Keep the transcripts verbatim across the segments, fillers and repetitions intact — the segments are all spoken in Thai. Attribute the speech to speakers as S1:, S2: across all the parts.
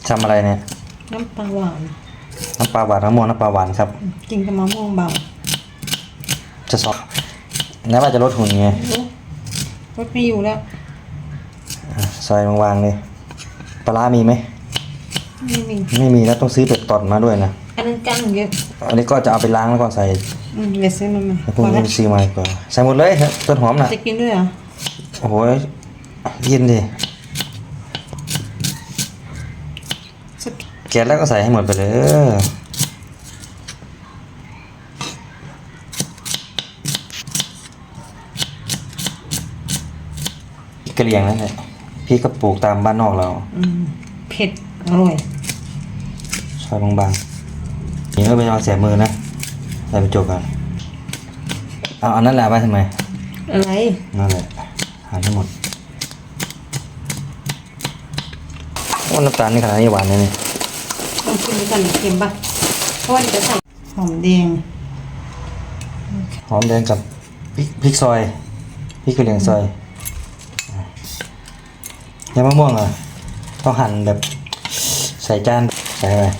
S1: ทำอะไรเนี่ย
S2: น้ำปลาหวาน
S1: น้ำปลาหวานมะม่วงน้ำปลาหวานครับ
S2: กินกับมะม่วงเบา
S1: จะสอบแล้วว่าจะลดหุ่นไง
S2: ลดไม่อยู่แล้ว
S1: ซอยบางๆเลยปลามีไหม
S2: ไม่มี
S1: ไม่มีแล้วต้องซื้อเป็ดตอนมาด้วยนะ
S2: อันนั้นกั้งเยอะ
S1: อันนี้ก็จะเอาไปล้างแล้วก็ใส่
S2: อืมเดี๋ยวซื้อมันมา
S1: พวกนี้ซื้อมาก่อนใส่หมดเลยต้นหอมน่ะ
S2: จะกินด้วยเหรอ
S1: โอ้โหยินดิแกะแล้วก็ใส่ให้หมดไปเลยกระเลียงนั่นแหละพี่ก็ปลูกตามบ้านนอกเรา
S2: อืมเผ็ดอร่อย
S1: ซอยบางๆนี่ก็เป็นเอาแสบมือนะใส่ไปจบกันเอาอันนั้นแหละไปทำไม
S2: อะไร
S1: นั่นแหละหาให้หมดว่าน้ำตาลนี่ขนาดนี้หวานเลยนี่
S2: ลองชิมดูก่อนเค็มปะเพราะว่าจะใส่หอมแดง
S1: หอมแดงกับพริกพริกซอยพริกกระเหรี่ยงซอยยำมะม่วงอ่ะต้องหั่นแบบใส่จานใส่ไป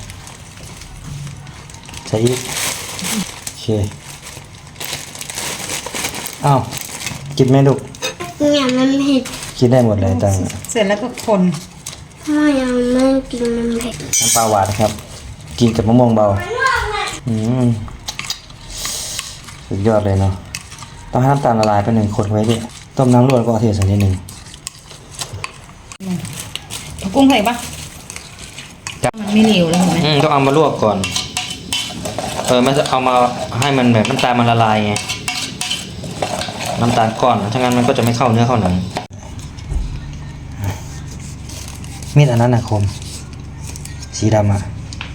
S1: ใส่อีกโอเคอ้าวกินไหมลูก
S3: เนี่ยมันเผ็ด
S1: กินได้หมดเลยตัง
S2: เสร็จแล้วก็คน
S3: พ่อยังไม่กินมันเผ็ด
S1: น้ำปลาหวานครับกินกับมะม่วงเบาอืมสุดยอดเลยเนาะต้องให้น้ำตาลละลายไปหนึ่งคนไว้ดิต้มน้ำร้อนก็เทใส่นิดหนึ่ง
S2: กุ้งใส่ปะมันไม่เหนียวเลยเห็นไหม
S1: ต้องเอามาลวกก่อนเออไม่เอามาให้มันแบบน้ำตาลมันละลายไงน้ำตาลก้อนถ้างั้นมันก็จะไม่เข้าเนื้อเข้าหนังมีดอันนั้นนะคมสีดำอ่ะ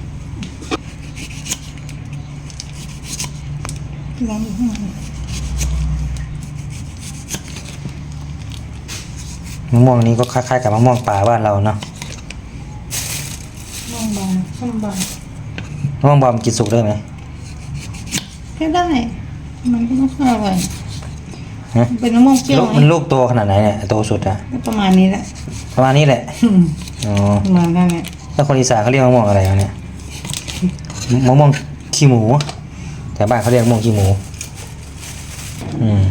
S2: ล้างอยู่ข้างใน
S1: มะม่วงนี้ก็คล้ายๆกับมะม่วงป่าบ้านเราเนาะ
S2: มะม่วงบางส้มบาง
S1: มะม่วงบอมกินสุกได้ไหม
S2: ก็ได้มันก็ไม่ค่อยอร่อยเป็นมะม่วงเปรี้ยว
S1: มันลูกโตขนาดไหนเนี่ยโตสุดอะ
S2: ประมาณนี้แหละ
S1: ประมาณนี้แหละอ๋อ
S2: ประมาณนั้นแหละ
S1: แล้วคนอีสานเขาเรียกมะม่วงอะไรเนี่ยมะม่วงขี้หมูแต่บ้านเขาเรียกมะม่วงขี้หมูอืม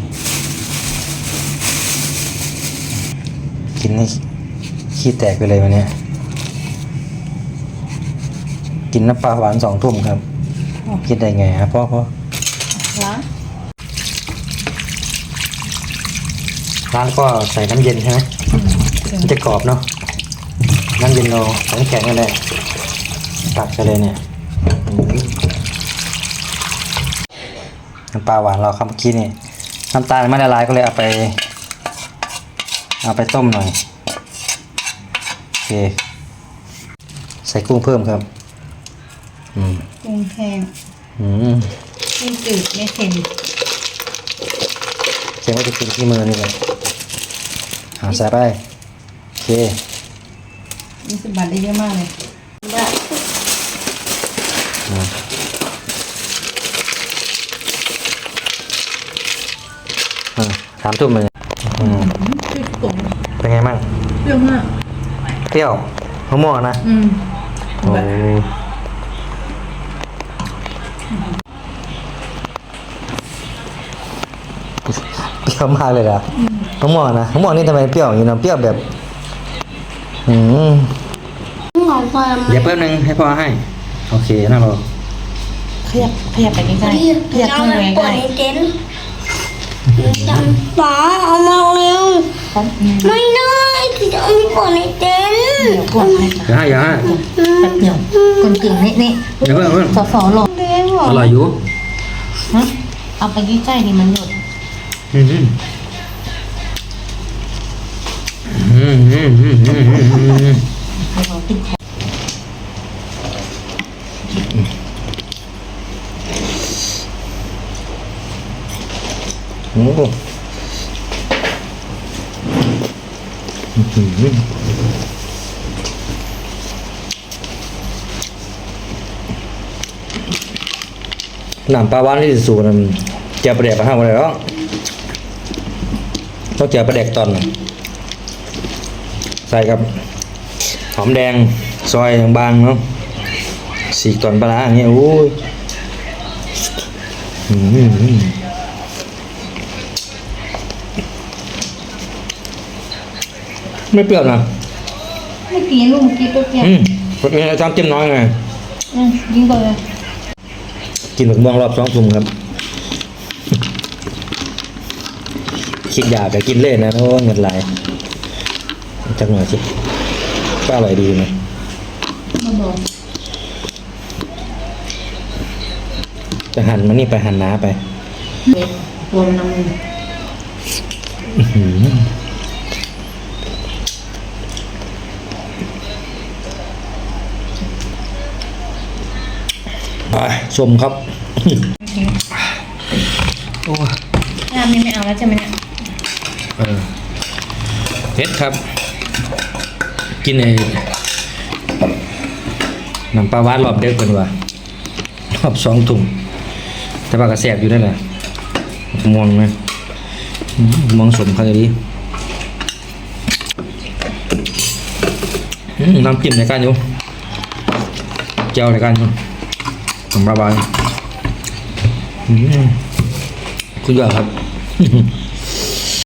S1: กินให้ขี้แตกไปเลยวันนี้กินน้ำปลาหวานสองทุ่มครับคิดได้ไงฮะพ่อพ่อ
S2: ล้าง
S1: ล้างก็ใส่น้ำเย็นใช่ไหมมันจะกรอบเนาะน้ำเย็นเราน้ำแข็งอะไรตักไปเลยเนี่ยน้ำปลาหวานเราครับเมื่อกี้นี่น้ำตาลไม่ละลายก็เลยเอาไปเอาไปต้มหน่อยโอเคใส่กุ้งเพิ่มครับอืม
S2: กุ้งแห้ง
S1: อืม
S2: ไม่จืดไม่เค็ม
S1: เค็มก็จะกินที่มือนี่เลยหาใส่ไปโอเค
S2: นี่สิบบาทได้เยอะมากเลยบาท
S1: สามทุ่มเลยเป็นไงบ้าง
S2: เปรี้ยวมาก
S1: เปรี้ยวมะม่วงนะ
S2: อืม
S1: โอ้เปรี้ยวมากเลยล่ะมะม่วงนะมะม่วงนี่ทำไมเปรี้ยวอย่างนี้เนาะเปรี้ยวแบบอืมเดี๋ยวแป๊บนึงให้พ่อให้โอเคนะเรา
S2: ขยับขยับไปใกล้ๆขยับเข้าไปใกล้
S3: จังป๋าเอามาเร็วไม่ได้คือจะเอาไปปวดในเต็นท์
S2: เดี๋ยวกดให้
S1: อย่าให้อย่าให้
S2: แป๊บเดียวคนเก่งนี่นี่
S1: เดี๋ยวเพื่อน
S2: สอสอหลง
S1: อร่อยอยู่
S2: ฮะเอาไปใกล้ๆดิมันหยด
S1: อืมอืมอืมอืมอืมอืมอืม
S2: เราติดคอ
S1: โอ้โหหนังปลาหวานที่สูงนั้นเจียวปลาแดกมาห้ามอะไรหรอกต้องเจียวปลาแดกตอนใส่กับหอมแดงซอยบางๆเนาะสีกตอนปลาร้าอย่างเงี้ยโอ้ยอืมไม่เปรี้ยวนะ
S2: ไม่กินลูกเมื่อกี้เปรี้ยว
S1: อืมเป็นไงจำจิ้มน้อยไง
S2: ๆอืมยิงไปเลย
S1: กินหมึกม่วงรอบสองทุ่มครับ คิดอยากจะกินเล่นนะโอ้เงินไหลจักหน่อยสิก็อร่อยดีนะ
S2: มาบอก
S1: จะหั่นมันนี่ไปหั่นน้าไป
S2: เด็กตัวมันน้ำมัน
S1: อื้อหือไปชมครับ โอ้ย
S2: น้ำนี่ไม่เอาแล้วใช่ไหมเนี่ย
S1: เออเผ็ดครับ กินไอ้น้ำปลาหวานรอบเด็กกันว่ารอบสองถุงแต่ว่ากระแสบอยู่ได้แหละม่วงไหมอืมม่วงสมเขาจะดีอืมน้ำจิ้มในการอยู่เจียวในการอยู่ผมระบายอืมคุณยอดครับ